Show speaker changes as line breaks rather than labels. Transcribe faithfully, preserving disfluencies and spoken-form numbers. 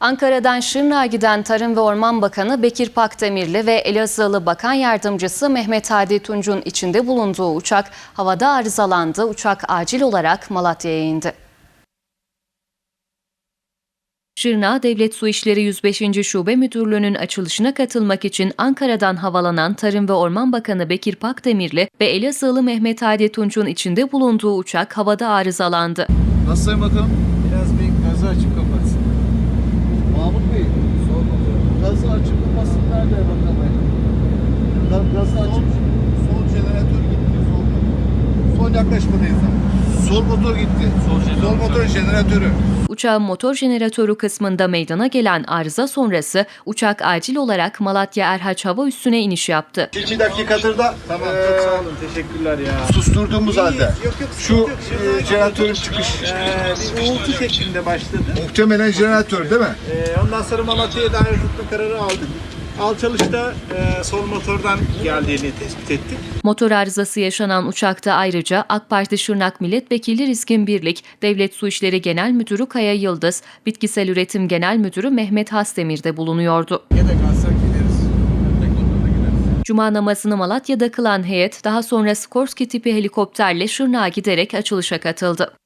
Ankara'dan Şırnak'a giden Tarım ve Orman Bakanı Bekir Pakdemirli ve Elazığlı Bakan Yardımcısı Mehmet Hadi Tunç'un içinde bulunduğu uçak havada arızalandı. Uçak acil olarak Malatya'ya indi. Şırnak Devlet Su İşleri yüz beşinci Şube Müdürlüğü'nün açılışına katılmak için Ankara'dan havalanan Tarım ve Orman Bakanı Bekir Pakdemirli ve Elazığlı Mehmet Hadi Tunç'un içinde bulunduğu uçak havada arızalandı.
Nasıl Sayın Bakanım?
Biraz bir gazı açıp kapatsın.
Mahmut Bey,
Sol motor.
gazı açık olmasın nerede bakalım? Ga- Gazı açık.
Sol jeneratör gitti. Sol, sol yaklaşmadayız abi.
Sol motor gitti.
Sol motor jeneratörü.
Uçağın motor jeneratörü kısmında meydana gelen arıza sonrası uçak acil olarak Malatya Erhaç Hava Üssü'ne iniş yaptı.
İki dakikadır da
Tamam,
eee,
çok sağ olun. Teşekkürler ya.
susturduğumuz halde.
Yok yok,
Şu
yok, yok.
eee, jeneratörün çıkış.
Ee, bir uğultu şeklinde başladı.
Muhtemelen jeneratör değil mi?
Ee, ondan sonra Malatya'ya dair tutma kararı aldık. Alçalışta e, sol motordan geldiğini tespit ettik.
Motor arızası yaşanan uçakta ayrıca AK Parti Şırnak Milletvekili Rizkin Birlik, Devlet Su İşleri Genel Müdürü Kaya Yıldız, Bitkisel Üretim Genel Müdürü Mehmet Hasdemir de bulunuyordu.
Ya da kalsak gideriz. Teknolojide gideriz.
Cuma namazını Malatya'da kılan heyet daha sonra Skorsky tipi helikopterle Şırnak'a giderek açılışa katıldı.